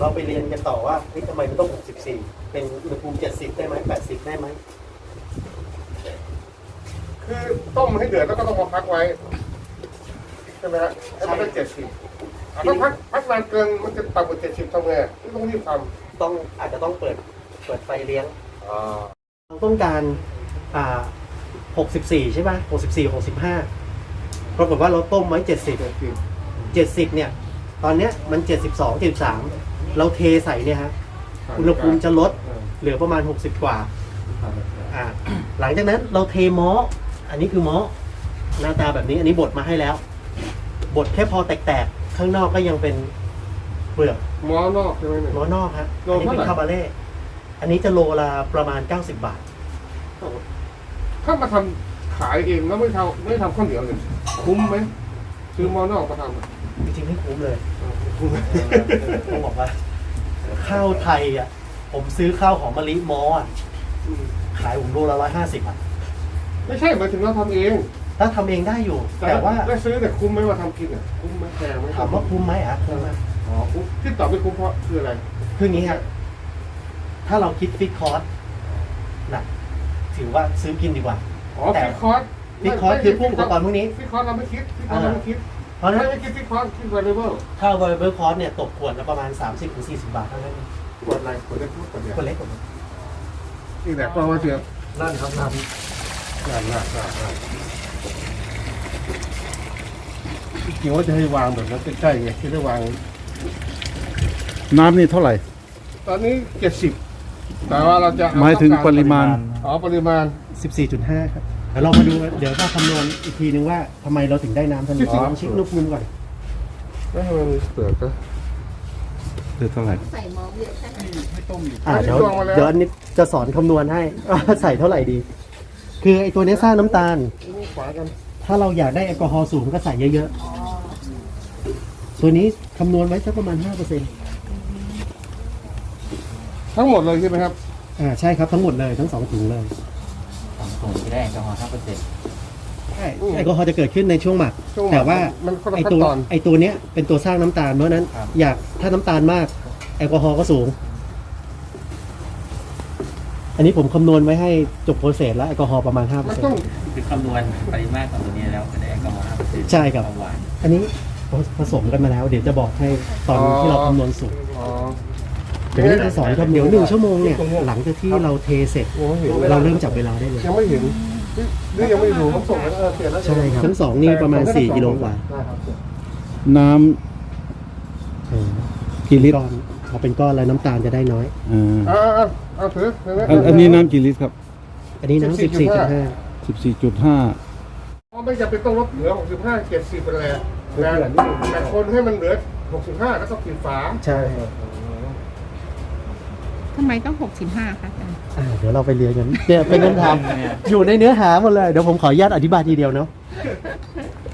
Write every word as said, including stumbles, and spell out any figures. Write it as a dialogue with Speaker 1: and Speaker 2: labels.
Speaker 1: ไปเรียนกันต่อว่าเฮ้ยทำไมมันต้องหกสิบสี่เป็นอุณหภูมิเจ็ดสิบได้ไหมแปดสิบได้ไหม
Speaker 2: คือต้มให้เดือดแล้วก็ต้องมาพักไว้ใช่ไหมฮะให้มันได้เจ็ดสิบถ้าพักพักนานเกินมันจะต่ำกว่าเจ็ดสิบทำไงที่ต้องรีบทำ
Speaker 1: ต้องอาจจะต้องเปิดเปิดไฟเลี้ยง
Speaker 2: อ่า
Speaker 1: เราต้องการอ่าหกสิบสี่ใช่ป่ะหกสิบสี่ หกสิบห้าปรากฏว่าเราต้มไว้เจ็ดสิบ
Speaker 2: เจ็ดสิบ
Speaker 1: เจ็ดสิบเนี่ยตอนเนี้ยมันเจ็ดสิบสอง เจ็ดสิบสามเราเทใส่เนี่ยฮะอุณหภูมิจะลดเหลือประมาณหกสิบกว่าอ่าหลังจากนั้นเราเทม้ออันนี้คือม้อหน้าตาแบบนี้อันนี้บดมาให้แล้วบดแค่พอแตกๆข้างนอกก็ยังเป็นเปลือก
Speaker 2: หม้อนอกใช่ไหมเนี่ย
Speaker 1: ม้อนอกฮะ
Speaker 2: โล
Speaker 1: อันนี้
Speaker 2: เท่าไหร่
Speaker 1: เป็นคาบาเล่อันนี้จะโลละประมาณเก้าสิบบาท
Speaker 2: ถ้ามาทำขายเองแล้วไม่ทำไม่ทำข้าวเหนียวเลยคุ้มไหมซื้อหม้อนอกมาทำอ่ะ
Speaker 1: จริงๆไม่คุ้มเลย
Speaker 2: คุ้มไหม
Speaker 1: ต้องบอกว่าข้าวไทยอ่ะผมซื้อข้าวหอมมะลิม้ออ่ะขายผมโลละร้อยห้าสิบอ่ะ
Speaker 2: ไม่ใช่หมายถึงเราทำเอง
Speaker 1: ถ้าทำเองได้อยู่ แต่ว่า
Speaker 2: ได้ซื้อแต่คุ้มไหมว่าทำกินอ่ะคุ้มไหมแพงไหม
Speaker 1: ถามว่าคุ้มไหมอ่ะคุ้มไหม
Speaker 2: อ๋อคุ้มที่ตอบไม่คุ้มเพราะคืออะไร
Speaker 1: คืออย่างนี้ครับถ้าเราคิดฟิกคอร์สนะถือว่าซื้อกินดีกว่า
Speaker 2: อ๋อ
Speaker 1: แต่
Speaker 2: ฟิกคอร์ส
Speaker 1: ฟิกคอร์สคือพวกอุปกรณ์พวกนี้
Speaker 2: ฟิกคอร์สเราไม่คิดฟิกคอร์สเราไม่คิด
Speaker 1: เพราะฉะนั้น
Speaker 2: ไม่คิดฟิกคอร์สคิด variable
Speaker 1: ถ้า variable cost เนี่ยตกขวดละประมาณ สามสิบถึงสี่สิบบาทเท่านั้นเอง
Speaker 2: ขวดอะไรขวดเล็กขวดใหญ่
Speaker 1: ขวดเล็กกว่านี้
Speaker 2: นี่แหละก็ว่าเสีย
Speaker 1: นั่นครับนั่น
Speaker 2: งานงานงานงานจริงๆว่าจะให้วางแบบนั้นใกล้ๆไงที่ได้วาง
Speaker 3: น้ำนี่เท่าไหร่
Speaker 2: ตอนนี้เจ็ดสิบแต่ว่าเราจะเอ
Speaker 3: หมายถึง
Speaker 2: ต้องก
Speaker 3: ปริมาณ
Speaker 2: อ๋อปริมาณ
Speaker 1: สิบสี่จุดห้าครับเดี๋ยวเรามาดูเดี๋ยวถ้าคำนวณอีกทีนึงว่าทำไมเราถึงได้น้ำเท่านี้ลองเช็คลูกมุมก่อน
Speaker 2: ไม่ให้มันเปลือกก็
Speaker 3: คือเท่าไหร่
Speaker 4: ใส่หม้อเยอะแค่ไหน
Speaker 2: ให้ต้มอยู่
Speaker 1: อ่าเดี๋ยว
Speaker 2: ตวงมาแล้ว
Speaker 1: เดี๋ยวอันนี้จะสอนคำนวณให้ ว่าใส่เท่าไหร่ดี คือไอ้ตัวนี้สร้างน้ำตาล
Speaker 2: นี่ขวากัน
Speaker 1: ถ้าเราอยากได้แอลกอฮอล์สูงก็ใส่เยอะๆ ตัวนี้คำนวณไว้สักประมาณ ห้าเปอร์เซ็นต์
Speaker 2: ทั้งหมดเลยใช่ไหมครับ
Speaker 1: อ่าใช่ครับทั้งหมดเลยทั้งสองถุงเลย
Speaker 5: ผมจะได้แอลกอฮอล์ห้าเปอร์เซ็นต์
Speaker 1: ใช่แอลกอฮอล์จะเกิดขึ้นในช่วงหมัก
Speaker 2: ช่วงหมัก
Speaker 1: แต่ว่า
Speaker 2: มันคนละ
Speaker 1: ไอ
Speaker 2: ขั้น
Speaker 1: ตัว
Speaker 2: ตอน
Speaker 1: ไอตัวเนี้ยเป็นตัวสร้างน้ำตาลเพราะฉะนั้น อยากถ้าน้ำตาลมากแอลกอฮอล์ก็สูง อันนี้ผมคำนวณไว้ให้จบโปรเซสแล้วแอลกอฮอล์ประมาณ ห้าเปอ
Speaker 2: มั
Speaker 1: ร์
Speaker 2: น
Speaker 1: เซ็น
Speaker 2: ต้อง
Speaker 1: ต์
Speaker 5: คือคำนวณปริมาตรของตัวนี้แล้วจะได้แอลกอฮอล์ห้าเปอร์เซ็นต์
Speaker 1: ใช่ครับ
Speaker 5: ความหวาน
Speaker 1: อันนี้ผสมกันมาแล้ว เดี๋ยวจะบอกให้ตอนที่เราคำนวณสูตร
Speaker 2: อ๋อ
Speaker 1: เดี๋ยวนี้จะสอนคำเดี๋ยวหนึ่งชั่วโมงเนี่ยหลังจากที่เราเทเสร็จ
Speaker 2: ยังไม่เห็นเลย
Speaker 1: เราเริ่มจับเวลาได้เลย
Speaker 2: ยังไม่เห็นหรือยังไม่รู้ผมส่งแล้วเออเปลี่ยนแล้ว
Speaker 1: ใช่ครับทั้งสองนี่ประมาณสี่กิโลกว่า
Speaker 2: ได้ครับ
Speaker 3: น้
Speaker 1: เออ
Speaker 3: ำกี่ลิตร
Speaker 1: ก้อนเอาเป็นก้อนแล้วน้ำตาลจะได้น้อย
Speaker 3: อ่า
Speaker 2: อ่าอ่าเอาถือถือ
Speaker 3: อันอันนี้น้ำกี่ลิตรครับ
Speaker 1: อันนี้น้ำสิบสี่จุดห้า
Speaker 3: สิบสี่จุดห้า
Speaker 2: อ๋อไม่จำเป็นต้องลดเหลือหกสิบห้าเจ็ดสิบเป็นแหละแต่แต่คนให้มันเหลือหกสิบห้าแล้วก็ปิดฝา
Speaker 1: ใช่
Speaker 4: ทำไมต้องหกสิบห้าคะอาจารย์
Speaker 1: อ่าเดี๋ยวเราไปเรียนกันเนี่ยเป็นคำถามอยู่ในเนื้อหาหมดเลย เดี๋ยวผมขออนุญาตอธิบายทีเดียวเนาะ